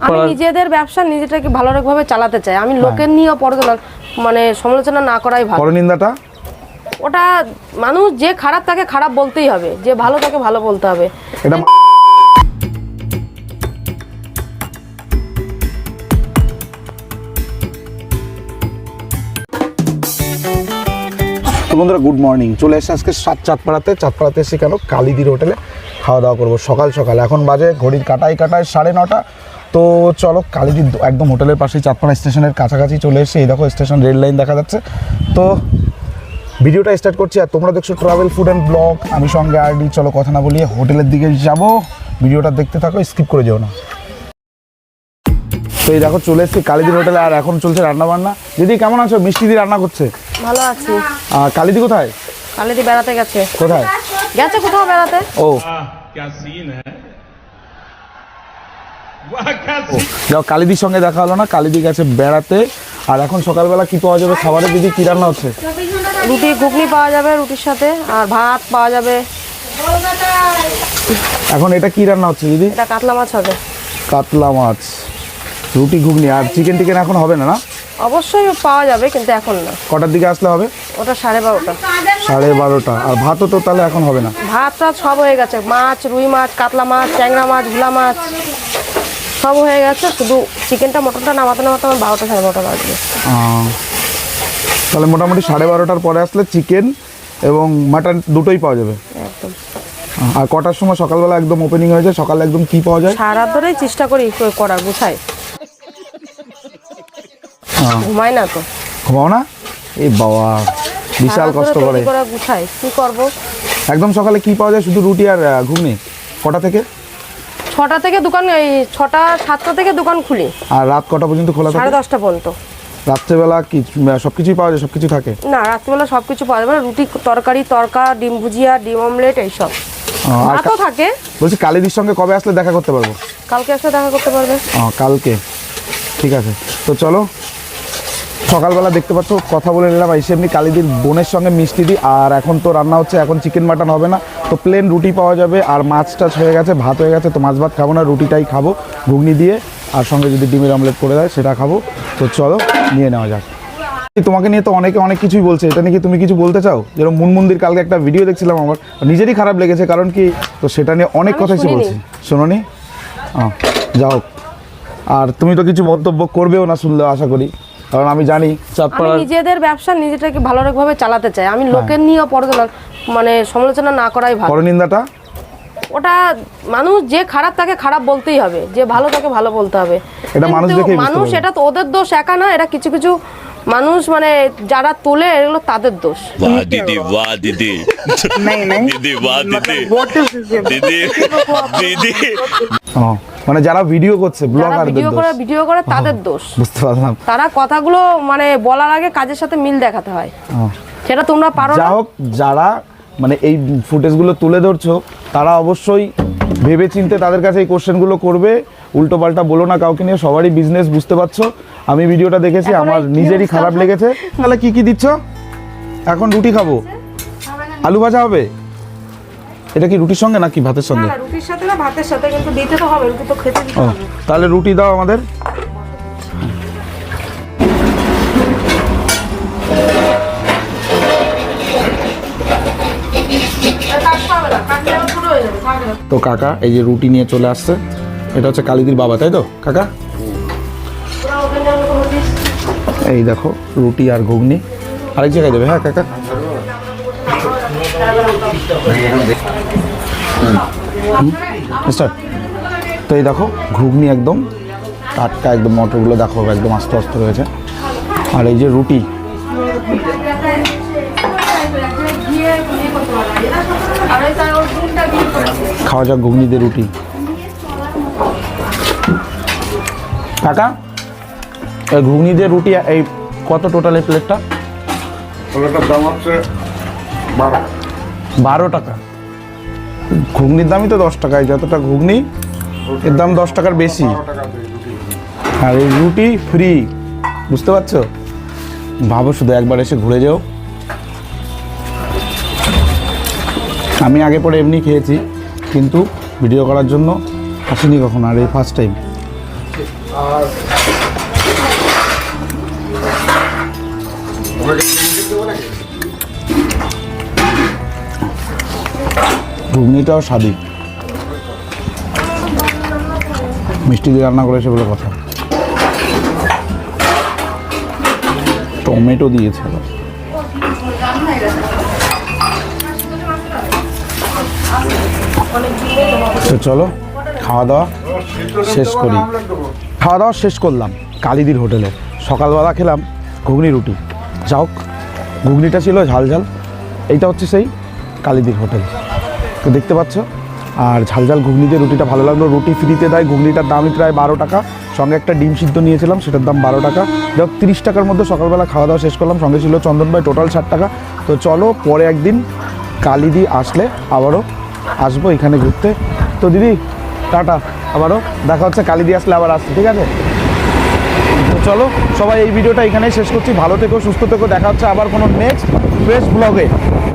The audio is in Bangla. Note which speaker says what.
Speaker 1: আমি নিজেদের ব্যবসা নিজেটাকে ভালোভাবে চালাতে চাই। আমি লোকের নিয়ে মানে সমালোচনা না করাই ভালো।
Speaker 2: পরনিন্দাটা
Speaker 1: ওটা মানুষ যে খারাপ তাকে খারাপ বলতেই হবে, যে ভালো তাকে ভালো বলতে হবে।
Speaker 2: এটা বন্ধুরা গুড মর্নিং, চলে এসে আজকে চাঁদপাড়াতে এসে কেন কালিদির হোটেলে খাওয়া দাওয়া করবো সকাল সকাল। এখন বাজে ঘড়ির কাটায় 9:30। তো চলো কালিদির একদম হোটেলের পাশেই চাঁদপাড়া স্টেশনের কাছাকাছি চলে এসে এই দেখো স্টেশন রেল লাইন দেখা যাচ্ছে। তো ভিডিওটা স্টার্ট করছি আর তোমরা দেখছো ট্রাভেল ফুড অ্যান্ড ব্লগ, আমি সঙ্গে আরডি। চলো কথা না বলিয়ে হোটেলের দিকে যাব, ভিডিওটা দেখতে থাকো, স্কিপ করে যেও না। তো এই দেখো চলে এসেছি কালিদির হোটেলে আর এখন চলছে রান্না বান্না। দিদি কেমন আছো? মিষ্টি দি রান্না করছে।
Speaker 1: ভালো আছি।
Speaker 2: আর কালিদি কোথায়?
Speaker 1: কালিদি বেড়াতে গেছে।
Speaker 2: কোথায়
Speaker 1: গেছে? কোথাও বেড়াতে।
Speaker 2: ও যাও, কালিদির সঙ্গে দেখা হলো না, কালিদি গেছে বেড়াতে। আর এখন সকালবেলা কি পাওয়া যাবে খাবারে? দিদি কি রান্না হচ্ছে?
Speaker 1: রুটি ঘুগনি পাওয়া যাবে রুটির সাথে, আর ভাত পাওয়া যাবে।
Speaker 2: এখন এটা কি রান্না হচ্ছে দিদি?
Speaker 1: এটা কাতলা মাছ হবে।
Speaker 2: কাতলা মাছ, রুটি ঘুগনি আর চিকেন টিকেন এখন হবে না? না
Speaker 1: অবশ্যই পাওয়া যাবে, কিন্তু এখন না।
Speaker 2: কটার দিকে আসলে হবে?
Speaker 1: ওটা 12:30।
Speaker 2: 12:30। আর ভাতও তো তাহলে এখন হবে না?
Speaker 1: ভাত টাত সব হয়ে গেছে, মাছ, রুই মাছ, কাতলা মাছ, ট্যাংরা মাছ, ভোলা মাছ সব হয়ে গেছে। শুধু চিকেনটা মটনটা নামাতে আমার 12টা 12:30 বাজবে।
Speaker 2: তাহলে মোটামুটি 12:30টার পরে আসলে চিকেন এবং মাটন দুটোই পাওয়া যাবে
Speaker 1: একদম।
Speaker 2: আর কটার সময় সকালবেলা একদম ওপেনিং হয়ে যায়? সকালে একদম কি পাওয়া যায়?
Speaker 1: সারা ধরেই চেষ্টা করি করা, গুছাই। ঘুমাই না তো।
Speaker 2: ঘুমাও না? এই বাবা বিশাল কষ্ট করে
Speaker 1: গুছাই, কি করব।
Speaker 2: একদম সকালে কি পাওয়া যায়? শুধু রুটি আর ঘুগনি। কটা থেকে?
Speaker 1: 6টা থেকে দোকান, এই 6টা 7টা থেকে দোকান খুলি।
Speaker 2: আর রাত কটা পর্যন্ত খোলা থাকে?
Speaker 1: 10:30 পর্যন্ত।
Speaker 2: রাত্রেবেলা কি সবকিছুই পাওয়া যায়? সবকিছু থাকে
Speaker 1: না, রাত্রিবেলা সবকিছু পাওয়া যাবে না। রুটি, তরকারি, তড়কা, ডিম ভুজিয়া, ডিম অমলেট এইসব। ভাতও থাকে।
Speaker 2: বলছি কালিদির সঙ্গে কবে আসলে দেখা করতে পারবো?
Speaker 1: কালকে আসলে দেখা করতে পারবে।
Speaker 2: কালকে ঠিক আছে। তো চলো সকালবেলা দেখতে পাচ্ছ কথা বলে নিলাম এসে এমনি কালিদির বোনের সঙ্গে মিষ্টি দিই। আর এখন তো রান্না হচ্ছে, এখন চিকেন মাটন হবে না, তো প্লেন রুটি পাওয়া যাবে। আর মাছ টাছ হয়ে গেছে, ভাত হয়ে গেছে। তো মাছ ভাত খাবো না, রুটিটাই খাবো ঘুগনি দিয়ে, আর সঙ্গে যদি ডিমের অমলেট করে দেয় সেটা খাবো। তো চলো নিয়ে নেওয়া যাক। তোমাকে নিয়ে তো অনেকে অনেক কিছুই বলছে, এটা নিয়ে কি তুমি কিছু বলতে চাও? যেরকম মুনমুন্দির কালকে একটা ভিডিও দেখছিলাম, আমার নিজেরই খারাপ লেগেছে, কারণ কি তো সেটা নিয়ে অনেক কথাই সে বলছে। শোনোনি? যাও, আর তুমি তো কিছু মন্তব্য করবেও না শুনলে আশা করি, কারণ আমি জানি
Speaker 1: আমি নিজেদের ব্যবসা নিজেটাকে ভালোভাবে চালাতে চাই। আমি লোকের নিয়ে মানে সমালোচনা না করাই ভালো।
Speaker 2: পরনিন্দাটা
Speaker 1: ওটা মানুষ যে খারাপ তাকে খারাপ বলতেই হবে, যে ভালো তাকে ভালো বলতে হবে।
Speaker 2: এটা মানুষ দেখেই
Speaker 1: মানুষ, এটা তো ওদের দোষ একা না, এটা কিছু কিছু মানুষ মানে যারা তোলে এগুলো তাদের দোষ।
Speaker 3: वाह दीदी वाह दीदी
Speaker 4: नहीं नहीं
Speaker 3: दीदी वाह दीदी
Speaker 4: what is this
Speaker 3: दीदी दीदी
Speaker 2: মানে যারা ভিডিও করছে, ব্লগারদের দোষ,
Speaker 1: ভিডিও করে তাদের দোষ।
Speaker 2: বুঝতে পারলাম।
Speaker 1: তারা কথাগুলো মানে বলার আগে কাজের সাথে মিল দেখাতে হয়, সেটা তোমরা পারো না।
Speaker 2: যা হোক, যারা মানে এই ফুটেজগুলো তুলে ধরছো তারা অবশ্যই ভেবে চিন্তে তাদের কাছে এই কোশ্চেনগুলো করবে। উল্টো পাল্টা বলো না কাউকে নিয়ে, সবারই বিজনেস, বুঝতে পারছো। আমি ভিডিওটা দেখেছি, আমার নিজেরই খারাপ লেগেছে। তাহলে কি কি দিচ্ছ? এখন রুটি খাবো, আলু ভাজা হবে। এটা কি রুটির সঙ্গে নাকি ভাতের সঙ্গে?
Speaker 1: না, রুটির সাথে না, ভাতের সাথে, কিন্তু দিতে তো হবে, রুটি তো খেতে দিতে হবে।
Speaker 2: তাহলে রুটি দাও আমাদের। তো কাকা এই যে রুটি নিয়ে চলে আসছে, এটা হচ্ছে কালিদির বাবা, তাই তো কাকা? এই দেখো রুটি আর ঘুগনি, আরেক জায়গায় দেবে। হ্যাঁ কাকা। স্টার্ট। তো এই দেখো ঘুগনি একদম টাটকা, একদম মটরগুলো দেখো একদম আস্তে আস্তে রয়েছে। আর এই যে রুটি, খাওয়া যাক ঘুগনি দিয়ে রুটি। কাকা এই ঘুগনি দিয়ে রুটি এই কত টোটাল এই প্লেটটা?
Speaker 5: প্লেটের দাম হচ্ছে
Speaker 2: 12 টাকা। ঘুগনির দামই তো 10 টাকা, যতটা ঘুগনি এর দাম 10 টাকার বেশি। আর এই রুটি ফ্রি, বুঝতে পারছো? ভাবো শুধু, একবার এসে ঘুরে যাও। আমি আগে পরে এমনি খেয়েছি, কিন্তু ভিডিও করার জন্য আসিনি কখনো, আর এই ফার্স্ট টাইম।
Speaker 5: আর
Speaker 2: ঘুগনিটাও স্বাদী, মিষ্টি দিয়ে রান্না করে সেগুলো কথা। টমেটো দিয়েছে আবার। তো চলো খাওয়া দাওয়া শেষ করি। খাওয়া দাওয়া শেষ করলাম কালিদির হোটেলে। সকালবেলা খেলাম ঘুগনি রুটি, যাই হোক ঘুগনিটা ছিল ঝাল ঝাল। এইটা হচ্ছে সেই কালিদির হোটেল, তো দেখতে পাচ্ছ। আর ঝাল ঝাল ঘুগনি দিয়ে রুটিটা ভালো লাগলো। রুটি ফ্রিতে দেয়, ঘুগনিটার দামই প্রায় 12 টাকা, সঙ্গে একটা ডিম সিদ্ধ নিয়েছিলাম, সেটার দাম 12 টাকা। যাই 30 টাকার মধ্যে সকালবেলা খাওয়া দাওয়া শেষ করলাম। সঙ্গে ছিল চন্দন ভাই, টোটাল 60 টাকা। তো চলো পরে একদিন কালিদি আসলে আবারও আসবো এখানে ঘুরতে। তো দিদি টাটা, আবারও দেখা হচ্ছে কালিদি আসলে আবার আসছি, ঠিক আছে? তো চলো সবাই এই ভিডিওটা এখানেই শেষ করছি। ভালো থেকো, সুস্থ থেকো, দেখা হচ্ছে আবার কোনো নেক্সট ফ্রেশ ব্লগে।